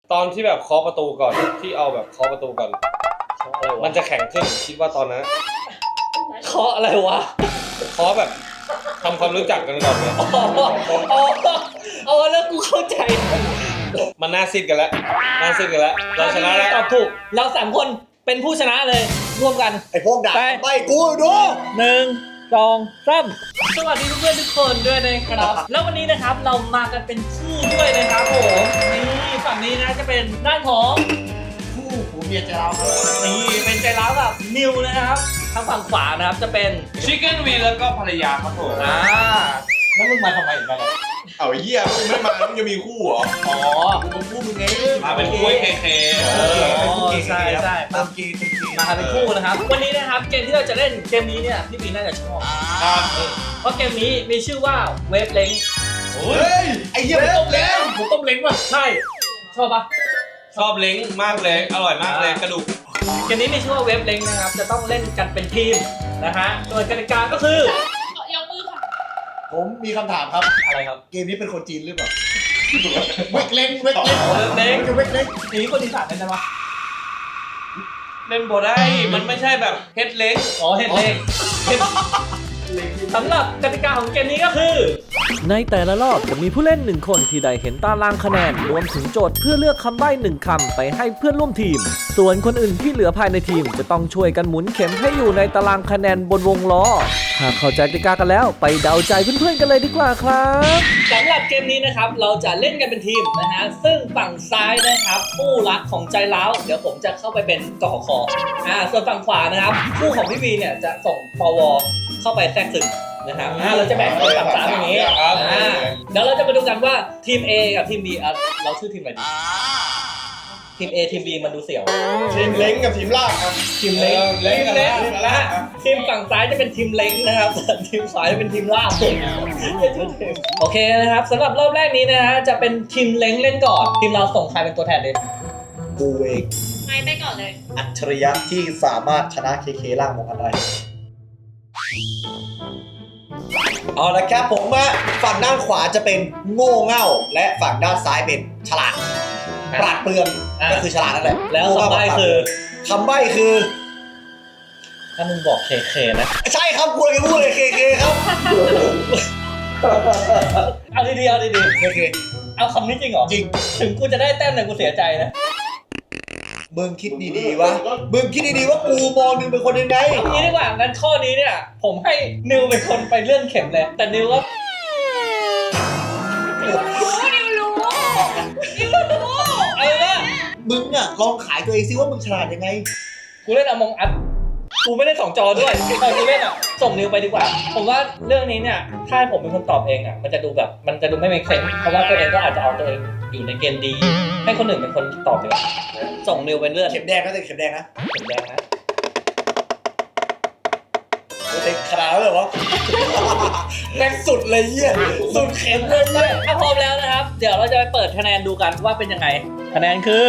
ตอนที่แบบเคาะประตูก่อนที่เอาแบบเคาะประตูก่อนมันจะแข็งขึ้นคิดว่าตอนนั้นเคาะอะไรวะเคาะแบบทำความรู้จักกันก่อนเลยอ๋อแล้วกูเข้าใจมันน่าซิดกันแล้วน่าซิดกันแล้วเราชนะแล้วตอบถูกเรา3คนเป็นผู้ชนะเลยร่วมกันไอ้พวกด่าไปไม่กูดู 1 2 3สวัสดีเพื่อนๆทุกคนด้วยนะครับ แล้ววันนี้นะครับเรามากันเป็นคู่ด้วยนะครับผมนี่ฝั่งนี้นะจะเป็นด้านของคู่ผัวเมียจะเราครับนี่เป็นใจร้าวกับนิวนะครับทางฝั่งขวานะครับจะเป็นชิคเก้นวีแล้วก็ภรรยาครับผมแล้วมึงมาทำไมอีกแล้วเอาไอ้เหี้ยมึงไม่มามึงจะมีคู่เหรออ๋อมึงคู่มึงไงมาเป็นคู่เคใช่ใช่ตามเกย์ตามเกย์มาเป็นคู่นะครับวันนี้นะครับเกมที่เราจะเล่นเกมนี้เนี่ยพี่ปีน่าจะชอบครับเพราะเกมนี้มีชื่อว่าเวฟเล้งโอ้เฮ้ยยไอ้เหี้ยไม่ต้มแล้วหมูต้มเล้งป่ะใช่ชอบปะชอบเล้งมากเลยอร่อยมากเลยกระดูกเกมนี้มีชื่อว่าเวฟเล้งนะครับจะต้องเล่นกันเป็นทีมนะฮะโดยกติกาก็คือยกมือค่ะผมมีคำถามครับอะไรครับเกมนี้เป็นคนจีนหรือเปล่าเวกเล้งเวกเล้งเวฟเล้งจะเวกเล้งหนีคนอีสานได้ไหมเล่นโบได้มันไม่ใช่แบบเฮ็ดเล้งอ๋อเห็ดเล้งสำหรับกติกาของเกมนี้ก็คือในแต่ละรอบจะมีผู้เล่น1คนที่ได้เห็นตารางคะแนนรวมถึงโจทย์เพื่อเลือกคำใบ้1คำไปให้เพื่อนร่วมทีม ส่วนคนอื่นที่เหลือภายในทีมจะต้องช่วยกันหมุนเข็มให้อยู่ในตารางคะแนนบนวงล้อหากเข้าใจกติกากันแล้วไปเดาใจเพื่อนๆกันเลยดีกว่าครับสำหรับเกมนี้นะครับเราจะเล่นกันเป็นทีมนะฮะซึ่งฝั่งซ้ายนะครับคู่รักของใจร้าวเดี๋ยวผมจะเข้าไปเป็นกขคส่วนฝั่งขวานะครับคู่ของพี่วีเนี่ยจะส่งปวเข้าไปแทรกซึมนะครับเราจะแบ่งเป็นฝั่งสามอย่างนี้เดี๋ยวเราจะมาดูกันว่าทีม A กับทีม B เราชื่อทีมอะไรดีทีม A ทีม B มันดูเสี่ยวทีมเล้งกับทีมลากครับทีมเล้งเล้งกันแล้วนะฮะทีมฝั่งซ้ายจะเป็นทีมเล้งนะครับส่วนทีมขวาจะเป็นทีมลาบโอเคนะครับสำหรับรอบแรกนี้นะฮะจะเป็นทีมเล้งเล่นก่อนทีมเราส่งใครเป็นตัวแทนดีกูเองไม่ไปก่อนเลยอัจฉริยะที่สามารถชนะเคเคล่างมองกันได้เอาละครับผมฝั่งด้านขวาจะเป็นโง่เง่าและฝั่งด้านซ้ายเป็นฉลาดปราดเปรื่องก็คือฉลาดนั่นแหละแล้วคำใบ้คือคำใบ้คือถ้ามึงบอกเคนะใช่ครับกูเลยพูดเลยเคเคครับเอาดีๆเอาดีเคเคๆเอาคำนี้จริงเหรอจริงถึงกูจะได้แต้มแต่กูเสียใจนะมึงคิดดีๆวะมึงคิดดีๆว่ากูมองมึงเป็นคนยังไงเอางี้ดีกว่างั้นข้อนี้เนี่ยผมให้นิวเป็นคนไปเลื่อนเข็มเลยแต่นิวก็นิวรู้เอาว่ามึงอะลองขายตัวเองซิว่ามึงฉลาดยังไงกูเล่นอมองอัดกูไม่ได้2จอด้วยตอนกูเล่นอ่ะส่งนิวไปดีกว่า ผมว่าเรื่องนี้เนี่ยถ้าให้ผมเป็นคนตอบเองอ่ะมันจะดูแบบมันจะดูไม่เป็นเคลมเพราะว่าตัวเองก็อาจจะเอาตัวเองอยู่ในเกณฑ์ดี ให้คนอื่นเป็นคนตอบดีกว่าส่งนิวไปเลื่อนเข็มแดงนะแต่เข็มแดงนะเข็มแดงนะเต็มขนาดนั้นเลยวะแม่งสุดเลยเยี่ยสุดเข็มเลยเยี่ยถ้าพร้อมแล้วนะครับ เดี๋ยวเราจะไปเปิดคะแนนดูกันว่าเป็นยังไง คะแนนคือ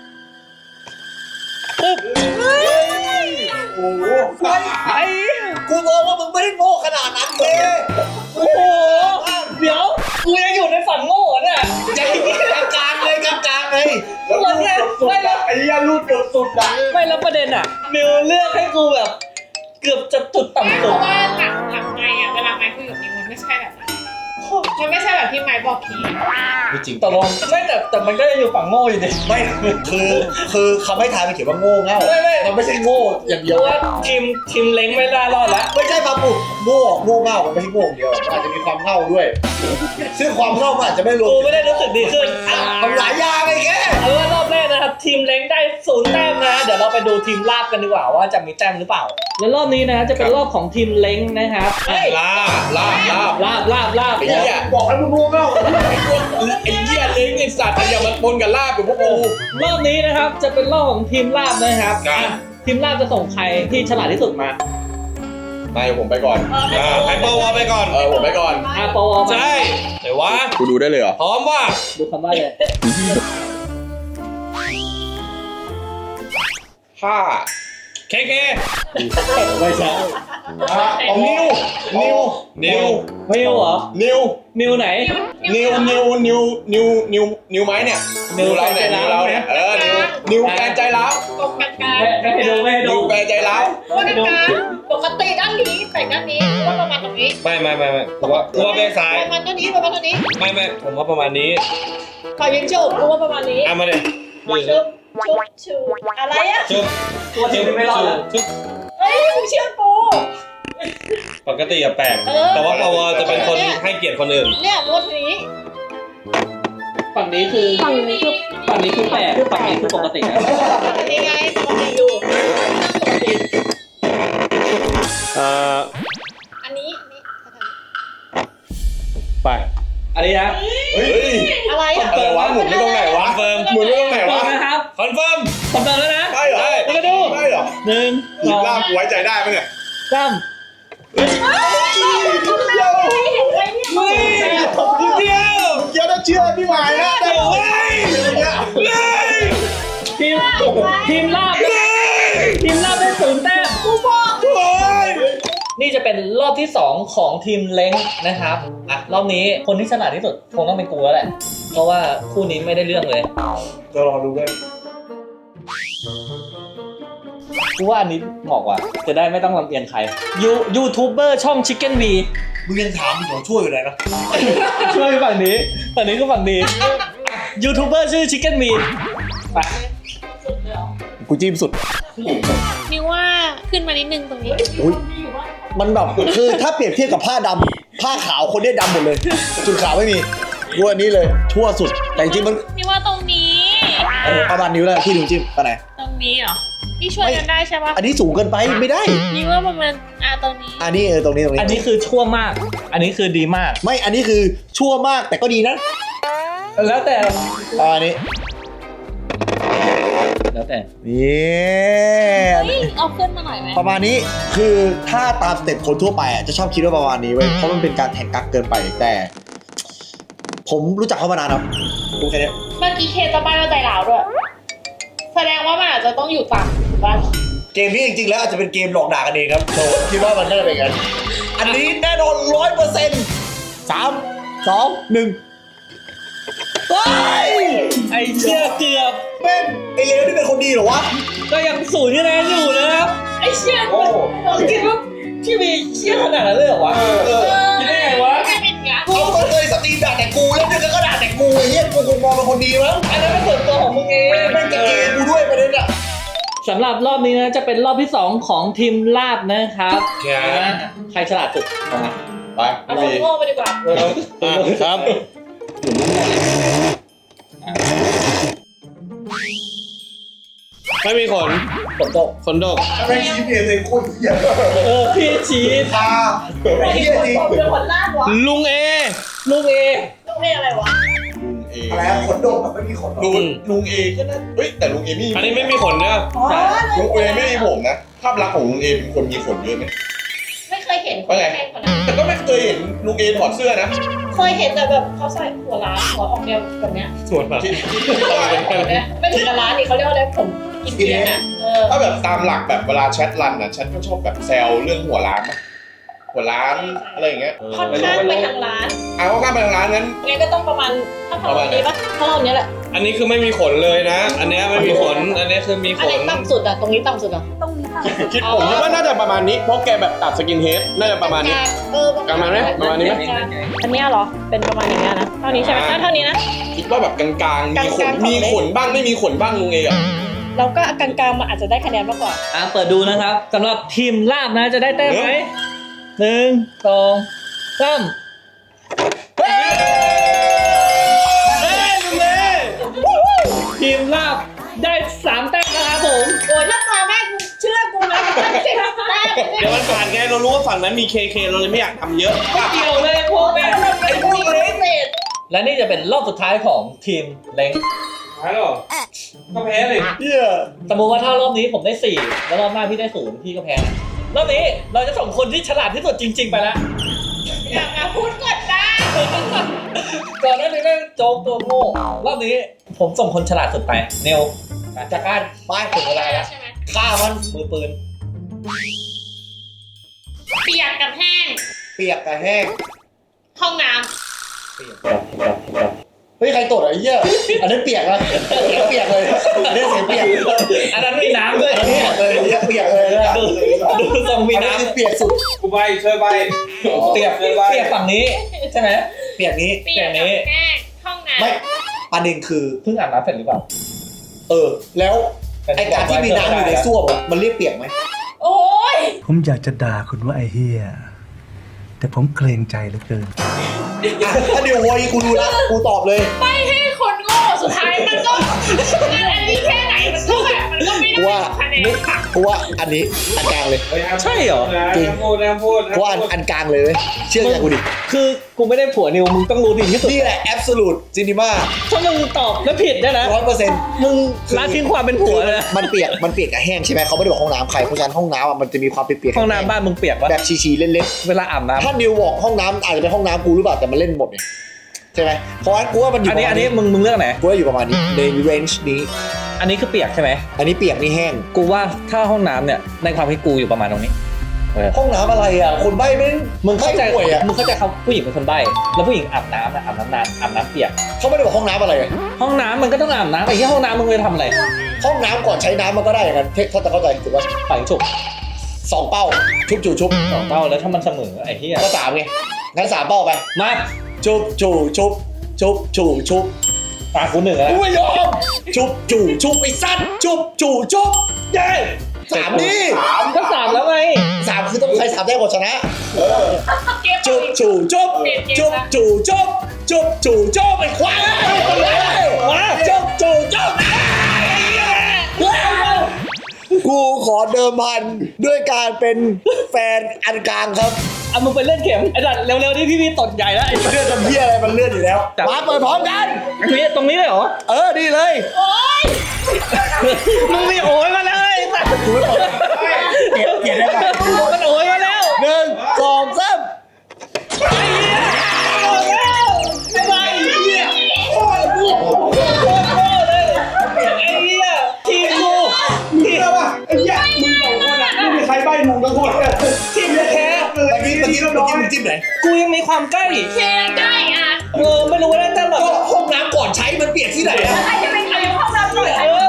ปึ๊บโอ้โหไอ้กูมองว่ามึงไม่ได้โง่ขนาดนั้นเลยโอ้โหเดี๋ยวกูยังอยู่ในฝันโง่เนี่ยใจกลางๆเลยกลางๆเลยแล้วเนี่ยไม่แล้วไอ้เหี้ยรูดเกือบสุดอะไม่แล้วประเด็นอ่ะมิวเลือกให้กูแบบ เกือบจะจุดต่ำเพสุดราะว่าหลังไม้อะเวลาไม้คุยกับนิวมันไม่ใช่แบบนั้นมันไม่ใช่แบบที่ไม้บอกพีไม่จริงตกลงไม่แต่มันก็ยังอยู่ฝั่งโง่อยู่ดิไม่คือคำให้ทายมันเขียนว่าโง่เง่าไม่มันไม่ใช่โง่อย่างเพเดียวราะว่าทีมเล้งไม่ได้รอดแล้วไม่ใช่ปาปูโง่เง่ามันไม่ใช่โง่อย่างเดียวมันอาจจะมีความเง่าด้วย ซึ่งความเง่ามันอาจจะไม่รวมกูไม่ได้รู้สึกดีขึ้นทำหลายอย่างไอ้แกเอาเป็นว่ารอบแรกนะครับทีมเล้งได้0แต้มนะเดี๋ยวเราไปดูทีมลาบกันดีกว่าว่าจะมีแต้มหรือเปล่า แล้วรอบนี้นะจะเป็นรอบของทีมเล้งนะครับลาบลาบไอ้เหี้ยบอกให้มึงโง่เง่าไอ้พวกไอ้เหี้ยเล้งไอ้สัตว์อย่ามันปนกับลาบกับพวกกูรอบนี้นะครับจะเป็นรอบของทีมลาบนะครับครับทีมลาบจะส่งใครที่ฉลาดที่สุดมาไม่ผมไปก่อนให้ปวไปก่อนผมไปก่อนปวมาใช่แต่ว่ากูดูได้เลยเหรอพร้อมว่าดูคำใบ้เลยถ้าเคเคไม่ใช่ของนิวนิวมิวเหรอนิวมิวไหนนิวไม้เนี่ยนิวเราเนี่ยใจนิวร้าวเราเนี่ยนิวแฟนใจร้าวตรงกลางกลางไม่ให้ดูไม่ให้นิดูวแฟนใจร้าวตรงกลางกลางปกติด้านนี้แปะด้านนี้ว่าประมาณตรงนี้ไม่ผมว่าเป็นซ้ายประมาณตัวนี้ประมาณตัวนี้ไม่ผมว่าประมาณนี้ขอยิงจุบกูว่าประมาณนี้เอามาเลยชุบชูอะไรอ่ะจุ๊บตัวจริงไม่รอดแล้วจุ๊บเฮ้ยมึงเชื่อกูปกติอะแปลกแต่ว่าปวจะเป็นคนให้เกียรติคนอื่นเนี่ยรถนี้ฝั่งนี้คือฝั่งนี้คือแปลกฝั่งนี้คือปกตินะนี่ไงปกติอยู่ปกติ อันนี้ไปอันนี้นะเฮ้ยอะไรอ่ะอะไรวะหมุนไม่ตรงไหนวะเฟิร์มหมุนไม่ตรงไหนตรวะงนะครับคอนเฟิร์มคอนเฟิร์มแล้วนะใช่เหรอนี่ก็ดูใช่เหรอ 1 หยิบ 2 ล่ามกูไว้ใจได้ไหมเนี่ย 3 เห็นไหมเนี่ยเฮ้ยเดียวเดี๋ยวต้องเชื่อพี่หมายนะแต่เฮ้ยทีมลาบได้0 แต้ม นี่จะเป็นรอบที่ 2 ของทีมเล้งนะครับอ่ะรอบนี้คนที่ฉลาดที่สุดคงต้องเป็นกูแล้วแหละเพราะว่าคู่นี้ไม่ได้เรื่องเลยจะรอดูด้วยกูว่าอันนี้เหมาะกว่าจะได้ไม่ต้องลำเอียงใครยูทูบเบอร์ช่อง Chicken V มึงยังถามผมช่วยอยู่เลยนะช่วยฝั่งนี้ก็ฝั่งดียูทูบเบอร์ชื่อ Chicken V ไปกูจิ้มสุดนิวว่าขึ้นมานิดนึงตรงนี้อุ้ยมันแบบคือถ้าเปรียบเทียบกับผ้าดำผ้าขาวคนเนี้ยดำหมดเลย จุดขาวไม่มีกูอันนี้เลยชั่วสุดแต่จริงๆมันนิวว่าตรงนี้ประมาณนิ้วแล้วที่นิ้วจิ้มไปไหนตรงนี้เหรอนี่ช่วยกันได้ใช่ปะอันนี้สูงเกินไปไม่ได้นิวว่าประมาณตรงนี้อันนี้ตรงนี้อันนี้คือชั่วมาก อันนี้คือดีมากไม่อันนี้คือชั่วมากแต่ก็ดีนะแล้วแต่อันนี้แล้วแต่นี่เฮ้ยเอาขึ้นมาหน่อยไหมประมาณนี้คือถ้าตามสเต็ปคนทั่วไปอ่ะจะชอบคิดว่าประมาณนี้เว้ยเพราะมันเป็นการแข่งกักเกินไปแต่ ผมรู้จักเขามานานครับรู้แค่เนี้ยเมื่อกี้เคจะบ้านเราใจหลาวด้วย แสดงว่ามันอาจจะต้องอยู่ต่ำบ้านเกมนี้จริงๆแล้วอาจจะเป็นเกมหลอกด่ากันเองครับผมคิดว่ามันน่าจะเป็นกันอันนี้แน่นอน100% 3 2 1เฮ้ยไอเชี่ยเกือบเป็นไอเลวนี่เป็นคนดีเหรอวะก็ยัง0คะแนนอยู่นะครับไอ้เชี่ยเราคิดว่าพี่มีเชี่ยขนาดนั้นเลยเหรอวะคิดได้ไงวะไม่เป็นอย่างกูก็เคยสตรีมด่าแต่กูแล้วนึกก็ด่าแต่กูไอ้เหี้ยกูคงมองเป็นคนดีมั้งอันนั้นเป็นส่วนตัวของมึงเองแม่งจะเกย์กูด้วยประเด็นอะสำหรับรอบนี้นะจะเป็นรอบที่ 2 ของทีมลาบนะครับครับใครฉลาดสุดออกมาไปเอาคนโง่ไปดีกว่าครับ ไม่มีขนฝนตกขนดกแม่งชี้เพียงเลยคนเหี้ยพี่ชี้ตาไอ้เหี้ยจริงเดี๋ยวคนลากวะลุงเอลูกเอต้องเรียกอะไรวะลุงเออะไรอะขนดกอะไม่มีขนดกลุงเอแค่นั้นเฮ้ยแต่ลุงเอไม่มีอันนี้ไม่มีขนเนี่ยอ๋อลุงเอไม่มีผมนะภาพลักษณ์ของลุงเอเป็นคนมีขนเยอะไหมไม่เคยเห็นคนแข่งคนนั้นแต่ก็ไม่เคยเห็นลุงเอถอดเสื้อนะเคยเห็นแต่แบบเขาใส่หัวล้านหัวออกแนวแบบเนี้ยส่วนมาที่ตอนเป็นแบบเนี้ยไม่ถึงกับล้านนี่เขาเรียกว่าอะไรผมกินเกียนอ่ะถ้าแบบตามหลักแบบเวลาแชทรันอ่ะฉันก็ชอบแบบแซวเรื่องหัวร้านนะหัวร้านอะไรอย่างเงี้ยค่อนข้างไปทางร้านเอาข้ามไปทางร้านนั้นงั้นก็ต้องประมาณถ้าเรานี้ปะถ้าเราเนี้ยแหละอันนี้คือไม่มีขนเลยนะ อันเนี้ยไม่มีขน อันนี้คือมีอัขนไหนนต่ำสุดอ่ะตรงนี้ต่ำสุดอ่ะตรงนี้ต่ำสุดคิดผมคิดว่าน่าจะประมาณนี้เพราะแกแบบตัดสกินเฮดน่าจะประมาณนี้ ประมาณไหมประมาณนี้ไหมอันนี้เหรอเป็นประมาณอย่างเงี้ยนะเท่านี้ใช่ไหมเท่านี้นะคิดว่าแบบกลางๆมีขนกลางๆมีขนบ้างไม่มีขนบ้างลุงเออะเราก็กลางๆมันอาจจะได้คะแนนมากกว่าเปิดดูนะครับสำหรับทีมลาบนะจะได้แต้มไหม1 2 3ทีมลาบได้3แต้มนะครับผมโอ้ยถ้าตาแม่กูเชื่อกูนะเจ็บแต้มเดี๋ยวมันผ่านไงเรารู้ว่าฝั่งนั้นมีเคเคเราเลยไม่อยากทำเยอะไม่เกี่ยวเลยพวกแม่ไอ้พวกเล็กเศษและนี่จะเป็นรอบสุดท้ายของทีมเล้งหายหรอก็แพ้เลยเหี้ยสมมติว่าถ้ารอบนี้ผมได้4แล้วรอบหน้าพี่ได้0พี่ก็แพ้นะรอบนี้เราจะส่งคนที่ฉลาดที่สุดจริง ๆ ไปแล้วอยากมาพูดกดได้ก่อนหน้านี้แม่งโจ๊กตัวโง่รอบนี้ผมส่งคนฉลาดสุดไปเนวจากการป้ายถึงเวลาแล้วใช่ไหมฆ่ามันมือปืนเปียกกับแห้งเปียกกับแห้งห้องน้เฮ้ยใครตดอ่ะไอ้เหี้ยอันนั้นเปียกนะเปียกเลยอันนี้เสียงเปียกอันนั้นมีน้ำด้วยอันนี้เปียกเลยนะดูทรงมีอันนี้น้ำคือเปียกสุดกูใบช่วยใบเปียกฝั่งนี้ใช่ไหมเปียกนี้ำเปียกกับแห้งห้องน้ำไม่ประเด็นคือเพิ่งอาบน้ำเสร็จหรือเปล่าแล้วไอการที่มีน้ำอยู่ในส้วมอะมันเรียกเปียกไหมโอ้ยผมอยากจะด่าคุณว่าไอ้เฮียแต่ผมเกรงใจเหลือเกินถ้าเดี๋ยวโวยกูรู้ละกูตอบเลยไม่ให้คนโง่สุดท้ายมันก็อันนี้แค่ไหนมันก็แบบมันก็ไม่ได้ว่าคะแนนค่ะกูว่าอันนี้อันกลางเลยใช่เหรอจริงพูดนะพูดกูว่าอันกลางเลยเว้ยเชื่อใจกูดิคือกูไม่ได้ผัวนิวมึงต้องรู้ดีที่สุดนี่แหละ absolute cinema ถ้ามึงตอบแล้วผิดได้นะ 100% มึงละทิ้งความเป็นผัวเลยนะมันเปียกกับแห้งใช่ไหมเขาไม่ได้บอกห้องน้ำใครเพราะฉะนั้นห้องน้ำอะมันจะมีความเปียกๆห้องน้ำบ้านมึงเปียกปะแบบชีๆเล่นเวลาอาบน้ำๆถ้านิวบอกห้องน้ำอาจจะเป็นห้องน้ำกูหรือเปล่าแต่มันเล่นหมดเนี่ยใช่ไหมเพราะฉะนั้นกูว่ามันอยู่อันนี้มึงเลือกไหนกูว่าอยู่ประมาณนี้ใน range นี้อันนี้คือเปียกใช่ไหมอันนี้เปียกนี่แห้งกูว่าถ้าห้องน้ำเนี่ยในความคิดกูอยู่ประมาณตรงนี้ห้องน้ำอะไรอ่ะคนใบ้ไม่มึงเข้าใจป่วยอ่ะมึงเข้าใจเขาผู้หญิงเป็นคนใบ้แล้วผู้หญิงอาบน้ำนะอาบน้ำนานอาบน้ำเปียกเขาไม่ได้บอกห้องน้ำอะไรอะห้องน้ำมันก็ต้องอาบน้ำไอ้ที่ห้องน้ำมึงไปทำอะไรห้องน้ำก่อนใช้น้ำมันก็ได้อย่างนั้นถ้าจะเข้าใจถูกป่ะฝังฉุบสองเป้าชุบจู่ชุบสองเป้าแล้วถ้ามันเสมอไอ้ที่ก็สามไงงั้นสามเป้าไปมาชุบจู่ชุบชุบจู่ชุบปากกูหนึ่งแล้วกูไม่ยอมชุบจู่ชุบไอ้สัตว์ชุบจู่ชุบเย้สามนี่ก็สามแล้วไงสามคือต้องใครสามได้ก่อนชนะเก็บจุบจู่จุบจุบจู่จุบจุบจู่จุบไอ้ควายมาจุบจู่จุบกูขอเดิมพันด้วยการเป็นแฟนอันกลางครับเอามึงไปเล่นเข็มไอ้ดัดเร็วๆนี่พี่ตดใหญ่แล้วไอ้เลื่อนทำเพี้ยอะไรมันเลื่อนอยู่แล้วมาเปิดพร้อมกันพี่ตรงนี้เลยเหรอดีเลยมึงมีโอยมาเลยกูไม่เปิดเก็บได้ไหมมันโอยมาแล้ว 1 2 3 ไอ้ใบเหี้ยโคตรเลยไอ้เหี้ยทีมกูทีมไอ้เหี้ยมึงสองคนอ่ะไม่มีใครใบ้ถูกทั้งหมดเลยทีมแท้เมื่อกี้มึงจิ้มไหนกูยังมีความใกล้เช็คได้อ่ะไม่รู้ว่าได้แต่แบบก็ห้องน้ำก่อนใช้มันเปียกที่ไหนอะใครจะเป็นใครห้องน้ำหน่อย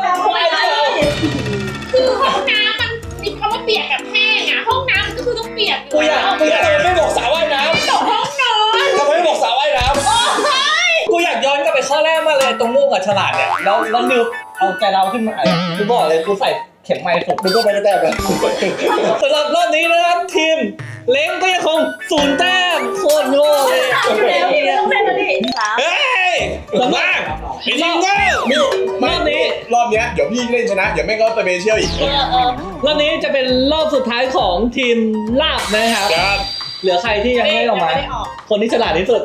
คือห้องน้ำมันมีคำว่าเปียกกับแห้งอ่ะห้องน้ำมันก็คือต้องเปียกกูอยากไม่บอกสระว่ายน้ตกห้องนอนำทำไมไม่บอกสระว่ายน้กูอยากย้อนกลับไปข้อแรกมากเลยตรงโง่กับฉลาดเนี่ยแล้วนิวเอาใจเราขึ้นมากูบอกเลยกูใส่เข็มไม้สุดำมึงก็ไปได้แต้มนะสำหรับรอบนี้นะครับทีมเล้งก็ยังคง0 แต้มโคตรโง่เลยแล้วพี่ต้องเล่นแล้วดิเฮ้ยสำหรับไอ้รอบนี้รอบเนี้ยเดี๋ยวพี่เล่นชนะเดี๋ยวแม่งก็ไปเบเชียลอีกรอบนี้จะเป็นรอบสุดท้ายของทีมลาบนะครับครับเหลือใครที่ยังไม่ออกมา คนที่ฉลาดที่สุด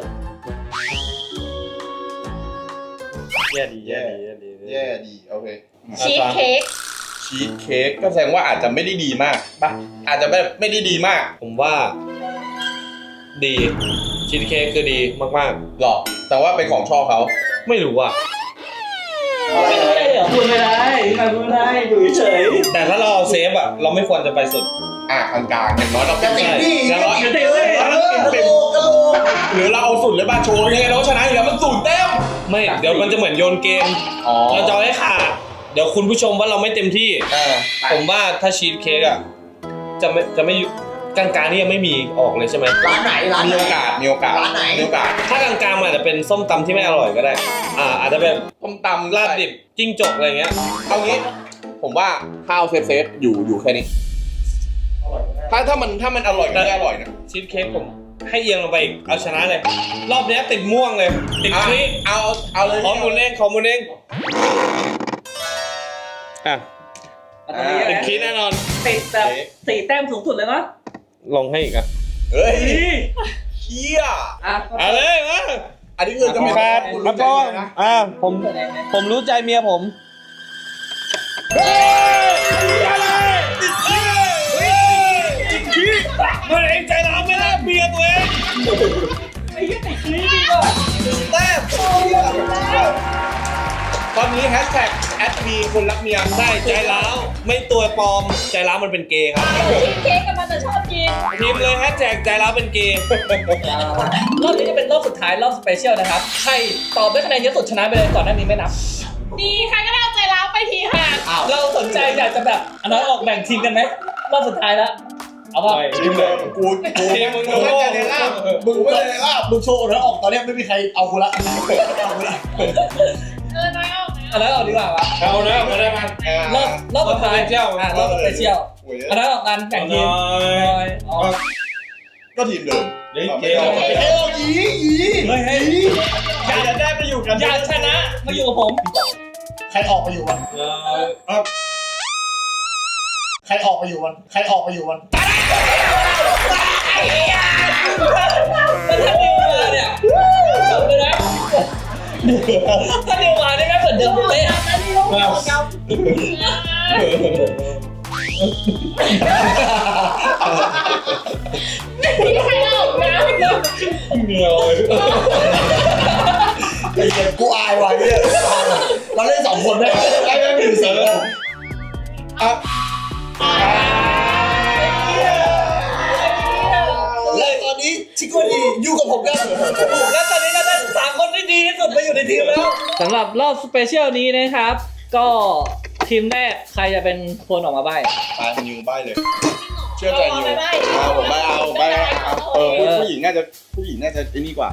แย่ดีแย่ดีโอเคชีสเค้กชีสเค้กก็แสดงว่าอาจจะไม่ได้ดีมากป่ะอาจจะแบบไม่ได้ดีมากผมว่า ดีชีสเค้กคือดีมากหรอกแต่ว่าเป็นของชอบเขาๆ ไม่รู้อ่ะไม่ได้เหรอพูดไม่ได้พูดไม่ได้อยู่เฉยแต่ถ้าเราเอาเซฟอ่ะ เราไม่ควรจะไปสุดกลางๆอย่างน้อยเราเป็นอย่างน้อยเต็มเลยหรือเราเอาสุดเลยบ้าโชว์ยังไงเราก็ชนะอยู่แล้วมัน0 แต้มไม่เดี๋ยวมันจะเหมือนโยนเกมอ๋อเราจะเอาให้ขาดเดี๋ยวคุณผู้ชมว่าเราไม่เต็มที่ ผมว่าถ้าชีสเค้กอ่ะจะไม่กลางๆนี่ยังไม่มีออกเลยใช่ไหมร้านไหนร้านมีไหนโอกาสร้านไหนมีโอกาสถ้ากลางๆมันอาจจะเป็นส้มตำที่ไม่อร่อยก็ได้ อาจจะเป็นต้มตำลาบดิบจิ้งจกอะไรเงี้ยเอางี้ ผมว่าข้าวเซฟอยู่แค่นี้ ถ้ามันอร่อยก็ไม่อร่อยนะชีสเค้กผมให้เอียงลงไปอีกเอาชนะเลย รอบเนี้ยติดม่วงเลย ติดคลิเอาเลยขอมูลเองอ่ะติดคลิแน่นอนติดแบบ4 แต้มสูงสุดเลยนะลงให้อีกอ่ะเฮ้ยเชี่ยเอาเลยมาอันนี้คือจะเป็นมาป้องผมรู้ใจเมียผมมันเองใจร้าวไม่รักเมียตัวเองไอ้ยี่ติดคลิปดีกว่าแต้มตอนนี้แฮชแท็กแอดมีคนรักเมียใช่ใจร้าวไม่ตัวปลอมใจร้าวมันเป็นเกย์ครับชีสเค้กกับมันจะชอบกินพิมพ์เลยแฮชแท็กใจร้าวเป็นเกย์รอบนี้จะเป็นรอบสุดท้ายรอบสเปเชียลนะครับใครตอบได้คะแนนเยอะสุดชนะไปเลยก่อนหน้านี้ไม่นับดีใครก็ได้เอาใจร้าวไปทีค่ะเราสนใจอยากจะแบบอันนั้นออกแบ่งทีมกันไหมรอบสุดท้ายแล้วเอาว่าทีมเลยกูทีมมึงมึงไม่ใจในล่างมึงไม่ใจในล่างมึงโชว์แล้วออกตอนเนี้ยไม่มีใครเอากูละเอากูละน้อยออกอันนั้นออกดีกว่าวะเอานะมาได้มารอบสุดท้ายรอบสเปเชียลรอบสเปเชียลอันนั้นออกกันแบ่งทีมอ๋อก็ทีมเดิมเฮ้ยเกเฮ้ยออกยีเฮ้ยเฮ้ยใครจะได้ไปอยู่กันอยากชนะมาอยู่กับผมใครออกไปอยู่มันใครออกไปอยู่มันใครออกไปอยู่มันแล้วถ้านิวมาเนี่ยจบเลยนะถ้านิวมาได้ไหมเหมือนเดิมเลยพี่ใครออกนะเหนียวไอ้เหี้ยกูอายว่ะเนี่ยเราเล่น2 คนได้ไหมไอ้แม่งมีอยู่4 คนและตอนนี้ชิโกดีอยู่กับผมครับแล้วตอนนี้ก็ได้3 คนที่ดีที่สุดมาอยู่ในทีมแล้วสำหรับรอบสเปเชียลนี้นะครับ ก็ทีมแรกใครจะเป็นคนออกมาใบ้ตายนิวใบเลย เชื่อใจนิวไม่ผมใบเอาผู้หญิงน่าจะไอ้นี่กว่า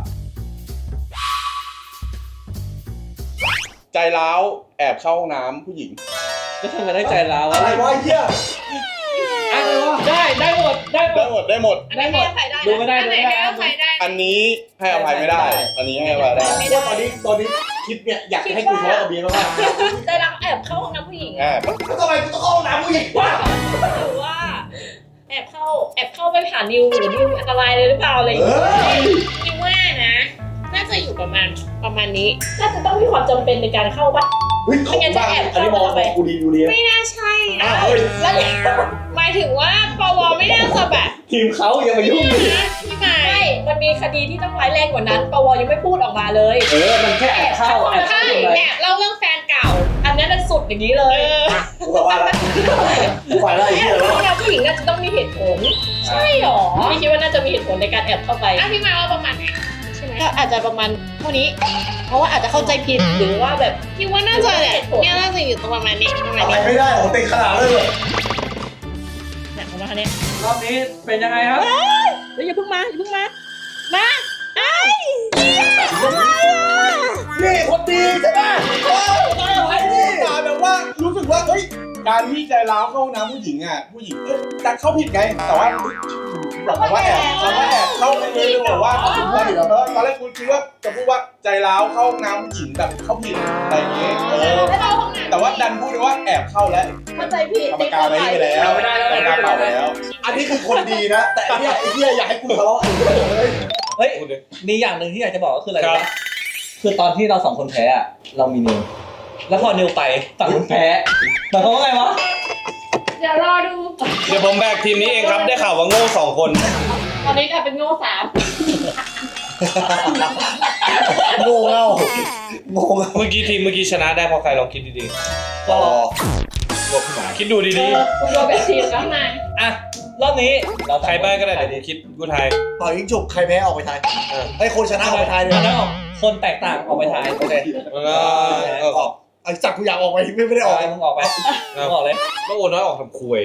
ใจร้าวแอบเข้าห้องน้ำผู้หญิงก็ทำกันได้ใจร้าวอะไรวะไอ้เหี้ยอ่ะได้หมดได้หมดได้หมดใครได้ดูไม่ได้อันไหนให้ใครได้อันนี้ให้อภัยไม่ได้ อันนี้ให้อภัยได้ว่าตอนนี้คลิปเนี่ยอยากจะให้กูทะเลาะกับเบียร์มากใจร้าวแอบเข้าห้องน้ำผู้หญิงแอบๆแล้วทำไมกูต้องเข้าห้องน้ำผู้หญิงวะหรือว่าแอบเข้าไปผ่านนิวหรือนิวอันตรายเลยหรือเปล่าอะไรอย่างเงี้ยนิวว่านะ น่าจะอยู่ประมาณนี้น่าจะต้องมีความจำเป็นในการเข้าปะเฮ้ยของบ้านอันนี้มองกูดีดูดีไม่น่าใช่นะแล้วหมายถึงว่าปวไม่น่าจะแบบทีมเขาอย่ามายุ่งพี่ไม่มันมีคดีที่ต้องร้ายแรงกว่านั้นปวยังไม่พูดออกมาเลยมันแค่แอบเข้าแอบใช่เข้าเลยแอบเล่าเรื่องแฟนเก่า อันนั้นเป็นสุดอย่างนี้เลยกูกลับบ้านแล้วกูไปแล้วไอ้แอเหี้ยบเข้าแล้วผู้หญิงน่าจะต้องมีเหตุผล ใช่หรอพี่คิดว่าน่าจะมีเหตุผลในการแอบเข้าไปพี่มาว่าประมาณไหนใช่ไหมก็อาจจะประมาณเท่านี้ เพราะว่าอาจจะเข้าใจผิดหรือว่าแบบคิดว่าน่าจะเนี่ยน่าจะอยู่ประมาณนี้ประมาณอะไรนี้ไม่ได้โอ้ติดขนาดเลยเนี่ยประมาณนี้รอบนี้เป็นยังไงครับเฮ้ยอย่าเพิ่งมามาไอ้นี่คนดีใช่ไหมไอ้นี่มาแบบว่ารู้สึกว่าเฮ้ยการที่ใจร้าวเข้าห้องน้ำผู้หญิงแต่เข้าผิดไงแต่ว่าแบบว่าแอบเข้าไปเลยบอกว่าตอนแรกคุณคิดว่าจะพูดว่าใจร้าวเข้าห้องน้ำผู้หญิงแบบเข้าผิดอะไรอย่างเงี้ยให้เราห้องน้ำแต่ว่าดันพูดว่าแอบเข้าแล้วเข้าใจผิดกรรมการอะไรไปแล้วกรรมการเปล่าไปแล้วอันนี้คือคนดีนะ แต่ไอ้เหี้ยอยากให้กูทะเลาะเฮ้ย มีอย่างหนึ่งที่อยากจะบอกก็คืออะไรรู้ปะคือตอนที่เรา2 คนแพ้อะเรามีนิว แล้วพอนิวไปฝั่งคนแพ้หมายความว่าไงวะเดี๋ยวรอดูเดี๋ยวผมแบกทีมนี้เองครับได้ข่าวว่าโง่2 คนตอนนี้กลายเป็นโง่3 โง่เง่าโง่เง่าเมื่อกี้ชนะได้เพราะใครลองคิดดีก็ๆคิดดูดีคุณโดนแบบทีมแล้วนายอ่ะ รอบนี้เราๆใครบ้างก็ได้เดี๋ยวผมคิดกูทายต่อยิงฉุบใครแพ้ออกไปทายไอ้คนชนะออกไปทายเลยแล้วคนแตกต่างออกไปทายโอเคออกไอ้จักกูอยากออกไปไม่ได้ออกมึงออกไปมึงออกเลยแล้วโอนน้อยออกทำคุย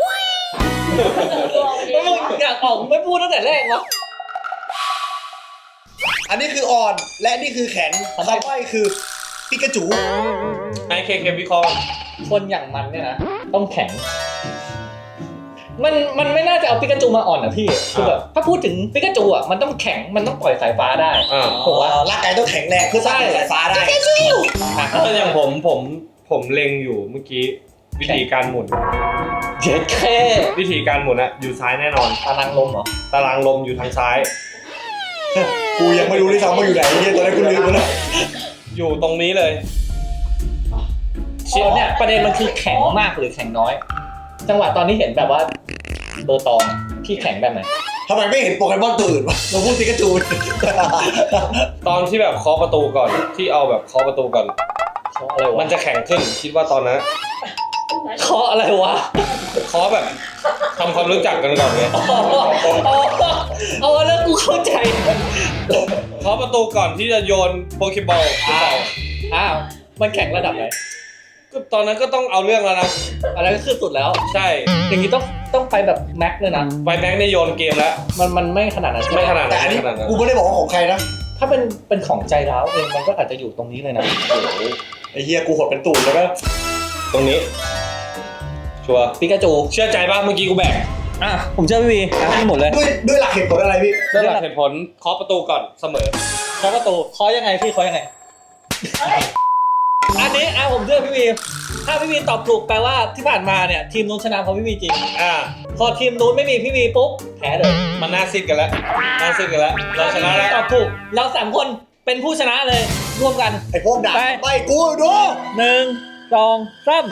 แล้วมึงอยากออกไม่พูดตั้งแต่แรกวะอันนี้คืออ่อนและนี่คือแข็งคำใบ้คือปิกาจูให้เควิเคราะห์คนอย่างมันเนี่ยนะต้องแข็ง มันไม่น่าจะเอาปิกาจูมาอ่อนนะพี่คือแบบถ้าพูดถึงปิกาจูอ่ะมันต้องแข็งมันต้องปล่อยสายฟ้าได้ผมว่าร่างกายต้องแข็งแรงเพื่อสร้างสายฟ้าได้ถ้าอย่างผมเล็งอยู่เมื่อกี้วิธีการหมุนเจ็ดแค่วิธีการหมุนอะอยู่ซ้ายแน่นอนตารางลมเหรอตารางลมอยู่ทางซ้ายกูยังไม่รู้ด้วยซ้ำว่าอยู่ไหนเนี่ยตอนแรกกูลืมไปแล้วอยู่ตรงนี้เลยเนี่ยประเด็นมันคือแข็งมากหรือแข็งน้อย จังหวะตอนที่เห็นแบบว่าเบอร์ตองพี่แข็งแบบไหนทำไมไม่เห็นโปเกมอนตัวอื่นวะเราพูดปิกาจูตอนที่แบบเคาะประตูก่อนที่เอาแบบเคาะประตูก่อนอะไรวะมันจะแข็งขึ้นคิดว่าตอนนั้นเคาะอะไรวะขอแบบทำความรู้จักกันก่อนไงเอาแล้วกูเข้าใจขอประตูก่อนที่จะโยนโปเกบอลอ้าวมันแข่งระดับไหนก็ตอนนั้นก็ต้องเอาเรื่องแล้วนะอะไรก็คือสุดแล้วใช่อย่างนี้ต้องไปแบบแม็กเลยนะไฟแบงค์ในโยนเกมแล้วมันไม่ขนาดนั้นใช่ไหมไม่ขนาดแต่นั้นอันนี้ไม่ขนาดนั้นกูไม่ได้บอกว่าของใครนะถ้าเป็นของใจร้าวเองมันก็อาจจะอยู่ตรงนี้เลยนะไอ้เฮียกูหดเป็นตูดเลยนะตรงนี้ ชัวร์ปิกาจูเชื่อใจป่ะเมื่อกี้กูแบกผมเชื่อพี่วีให้หมดเลยด้วยหลักเหตุผลอะไรพี่ด้วยหลักเหตุผลเคาะประตูก่อนเสมอเคาะประตูเคาะยังไงพี่เคาะยังไง อันนี้ผมเชื่อพี่วีถ้าพี่วีตอบถูกแปลว่าที่ผ่านมาเนี่ยทีมนู้นชนะเพราะพี่วีจริง พอทีมนู้นไม่มีพี่วีปุ๊บแพ้เลยมันน่าซิดกันแล้วน่าซิดกันแล้วเราชนะแล้วตอบถูกเราสามคนเป็นผู้ชนะเลยร่วมกันไอ้พวกด่าไปไม่กูดู 1 2 3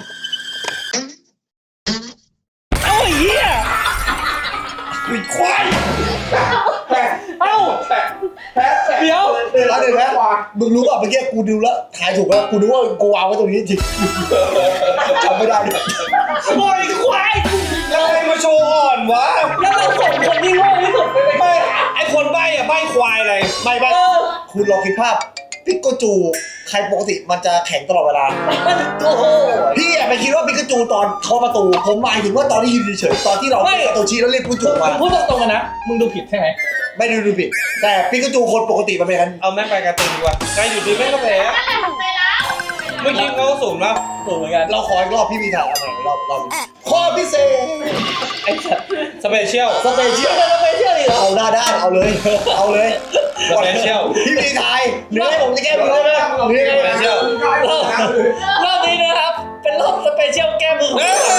เอาไอ้เหี้ยวิควายเอ้าเดี๋ยวเดี๋ยวนะมึงรู้ป่ะเมื่อกี้กูดูแล้วทายถูกแล้วกูนึกว่ากูวางไว้ตรงนี้จริงจำไม่ได้เลยโอ้ยควายแล้วใครมาโชว์อ่อนวะแล้วเราส่งคนที่โง่ที่สุดไปเลยไม่ไอคนใบ้อะใบ้ควายอะไรไม่คุณลองคิดภาพปิกาจูใครปกติมันจะแข็งตลอดเวลามันโอ้โหพี่ไปคิดว่าปิกาจูตอนเคาะประตูผมหมายถึงว่าตอนที่ยืนเฉยๆตอนที่เราเป็นตัวชี้แล้วเรียกปิกาจูมาพูดตรงๆกันนะมึงดูผิดใช่ไหมไม่ได้ดูผิดแต่ปิกาจูคนปกติมันเป็นกันเอาแม่งไปการ์ตูนดีกว่าใครอยู่ดีแม่งก็แพ้ใจแล้วเมื่อกี้เขาก็สูงแล้วถูกเหมือนกันเราขออีกรอบพี่มีถ่ายอะไรรอบข้อพิเศษไอ้สัตว์สเปเชียลสเปเชียลเราไปเชื่อดิเหรอเอาได้เอาเลย เอาเลยสเปเชียลพี่มีถ่ายหรือให้ผมจะแก้มือได้ไหมหรือยังไงเชียลรอบนี้นะครับ เป็นรอบสเปเชียลแก้มือของ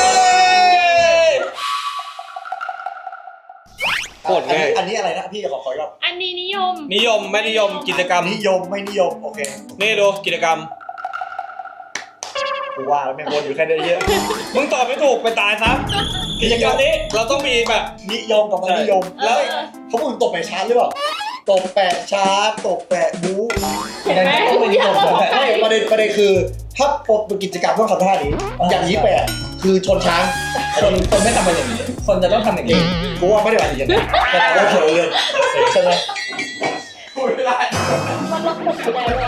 โคตรง่ายอันนี้อะไรนะพี่ขออีกรอบอันนี้นิยมนิยมไม่นิยมกิจกรรมนิยมไม่นิยมโอเคนี่ดูกิจกรรมกูว่าแล้วแม่งวนอยู่แค่นี้เยอะมึงตอบไม่ถูกไปตายซะกิจกรรมนี้เราต้องมีแบบนิยมกับไม่นิยมแล้วเขาพูดถึงตบแปะชาร์จหรือเปล่าตบแปะชาร์จตบแปะบู๊เห็นไหมต้องเป็นนิยมของแบไม่ประเด็นคือถ้าปบเป็นกิจกรรมต้องทำท่านี้อย่างนี้แปะคือชนช้างคนไม่ทำเป็นอย่างนี้ คนจะต้องทำอย่างนี้กูว่าไม่ได้หมายถึงอย่างนั้นแต่เราเฉยเลยใช่ไหมพูดไม่ได้มันล็อกหมดอยู่แล้ว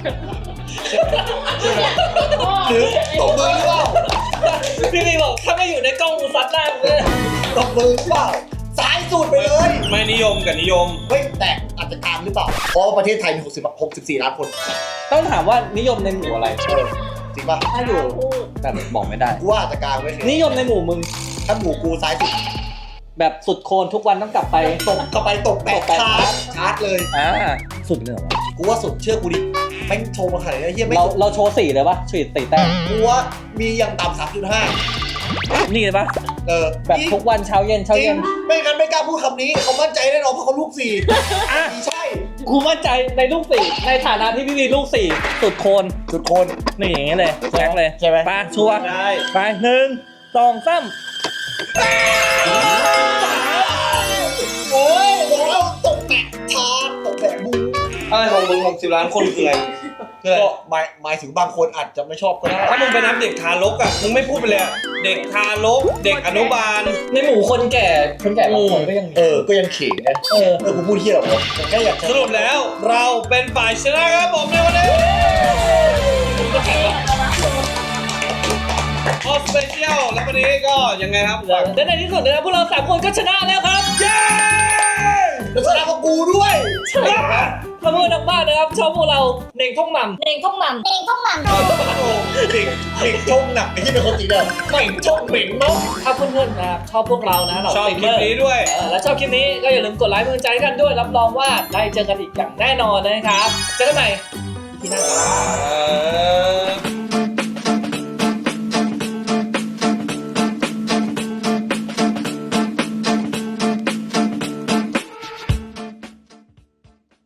หรือตบมือหรือเปล่าพี่วีบอกถ้าไม่อยู่ในกล้องกูซัดหน้ามึงเลยตบมือหรือเปล่าซ้ายสุดไปเลยไม่นิยมกับนิยมเฮ้ยแต่อาจจะกลางหรือเปล่าเพราะว่าประเทศไทยมี64 ล้านคนต้องถามว่านิยมในหมู่อะไรจริงป่ะถ้าอยู่พูดแต่บอกไม่ได้กูว่าอาจจะกลางไว้เลยนิยมในหมู่มึงถ้าหมู่กูซ้ายสุดแบบสุดโคนทุกวันต้องกลับไปตบเข้าไปตบแปะชาร์จเลยสุดเลยเหรอวะกูว่าสุดเชื่อกูดิแม่งโชว์มาขนาดนี้เฮียไม่เราโชว์4เลยปะฉีด4แต้มกูว่ามีอย่างต่ำ3.5 นี่เลยปะ แบบจริงทุกวันเช้าเย็นเช้าจริเย็งนไม่งั้นไม่กล้าพูดคำนี้เขามั่นใจแน่นอนเพราะเขาลูกสี่ใช่กูมั่นใจในลูก4ในฐานะที่พี่มีลูก4สุดโคนสุดคนนี่อย่างงี้เลยแจ็คเลยใช่ไหมไปชัวร์ได้ไป1 2 3 โอ้ยบอกแล้วตบแปะชาร์จตบแปะบูอะไรของมึง60 ล้านคนคืออะไรคืออะไรก็หมายถึงบางคนอาจจะไม่ชอบก็ได้ถ้ามึงไปนับเด็กทารกอ่ะมึงไม่พูดไปเลยอะเด็กทารกเด็กอนุบาลในหมู่คนแก่บางคนก็ยังมีก็ยังเขิงนะ กูพูดเฮียหรอกผมแค่อยากจะสรุปแล้วเราเป็นฝ่ายชนะครับผมในวันนี้ออสเปเชียลแล้ววันนี้ก็ยังไงครับและในที่สุดนะครับพวกเรา3คนก็ชนะแล้วครับเย้แล้วชนะกับกูด้วยถ้าเพื่อนทางบ้านนะครับชอบพวกเราเน่งท่องหม่ำเน่งท่องหม่ำเน่งท่องหม่ำเด็กชงหนักไอ้ที่เป็นคนจริงเลยเหม่งชงเหม่งเนาะถ้าเพื่อนๆนะครับชอบพวกเรานะเราชอบคลิปนี้ด้วยและชอบคลิปนี้ก็อย่าลืมกดไลค์กำลังใจกันด้วยรับรองว่าได้เจอกันอีกอย่างแน่นอนนะครับเจอกันใหม่ที่หน้าครับ